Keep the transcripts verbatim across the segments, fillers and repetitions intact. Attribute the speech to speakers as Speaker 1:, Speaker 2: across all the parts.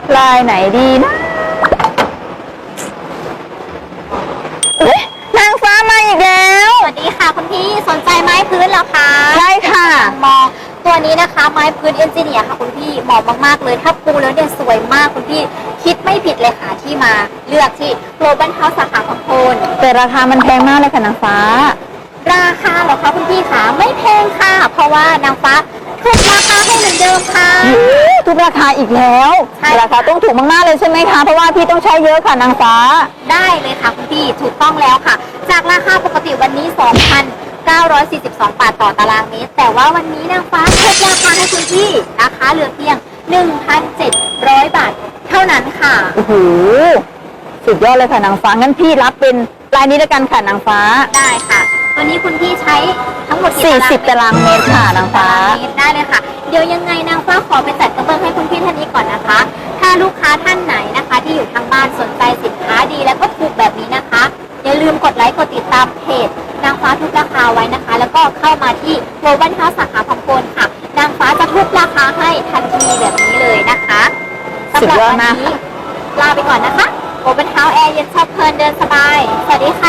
Speaker 1: ลายไหนดีนะเอ๊ะนางฟ้ามาอีกแล้ว
Speaker 2: สวัสดีค่ะคุณพี่สนใจไม้พื้นเหรอคะ
Speaker 1: ใช่ค่ะ
Speaker 2: มองตัวนี้นะคะไม้พื้นเอนจิเนียร์ค่ะคุณพี่เหมาะมากๆเลยถ้าปูแล้วเนี่ยสวยมากคุณพี่คิดไม่ผิดเลยค่ะที่มาเลือกที่ Global House สาขาพังโคน
Speaker 1: แต่ราคามันแพงมากเลยค่ะนางฟ้า
Speaker 2: ราคาเหรอคะคุณพี่คะไม่แพงค่ะ เพราะว่านางฟ้าทุกราคาให้เหมือนเดิมค่ะ
Speaker 1: ทุกราคาอีกแล้ว
Speaker 2: ใช่
Speaker 1: ราคาต้องถูกมากๆเลยใช่ไหมคะเพราะว่าพี่ต้องใช้เยอะค่ะนางฟ้า
Speaker 2: ได้เลยค่ะคุณพี่ถูกต้องแล้วค่ะ จากราคาปกติวันนี้ สองพันเก้าร้อยสี่สิบสอง บาทต่อตารางเมตรแต่ว่าวันนี้นางฟ้าลดราคาให้คุณพี่นะคะเหลือเพียง หนึ่งพันเจ็ดร้อย บาทเท่านั้นค่ะ
Speaker 1: โอ้โหสุดยอดเลยค่ะนางฟ้างั้นพี่รับเป็นลายนี้แล้วกันค่ะนางฟ้า
Speaker 2: ได้ค่ะตัวนี้คุณพี่ใช้ทั้งหมดกี่
Speaker 1: สี่สิบตารางเมตรค่ะนางฟ้า
Speaker 2: ตารางเมตรได้เลยค่ะเดี๋ยวยังไงนางฟ้าขอไปจัดกระเบื้องให้คุณพี่ท่านนี้ก่อนนะคะ ถ้าลูกค้าท่านไหนนะคะ ที่อยู่ทางบ้านสนใจสินค้าดีแล้วก็ถูกแบบนี้นะคะอย่าลืมกดไลค์กดติดตามเพจนางฟ้าทุกราคาไว้นะคะ แล้วก็เข้ามาที่ Global House สาขาพังโคนค่ะนางฟ้าจะทุกราคาให้ทันทีแบบนี้เลยนะคะ
Speaker 1: สุดยอดมาก
Speaker 2: สำหรับวันนี้ลาไปก่อนนะคะ Global House แอร์เย็นชอบเพลินเดินสบายสวัสดีค่ะ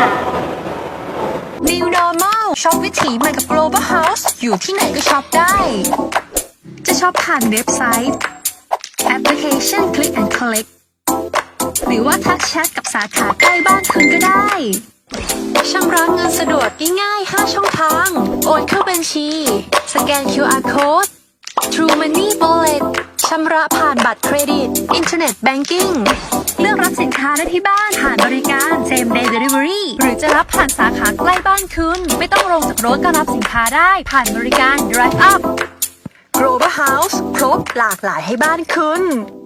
Speaker 3: New Normal ช็อปวิถีใหม่กับ Global House อยู่ที่ไหนก็ช็อปได้ จะช็อปผ่านเว็บไซต์แอปพลิเคชัน Click and Collect หรือว่าทักแชทกับสาขาใกล้บ้านคุณก็ได้ชำระเงินสะดวกง่ายๆห้าช่องทางโอนเข้าบัญชีสแกน คิว อาร์ Code True Money Wallet ชำระผ่านบัตรเครดิต Internet Banking เลือกรับสินค้าได้ที่บ้านผ่านบริการ Same Day Delivery หรือจะรับผ่านสาขาใกล้บ้านคุณไม่ต้องลงจากรถก็รับสินค้าได้ผ่านบริการ Drive Up Global House ครบหลากหลายให้บ้านคุณ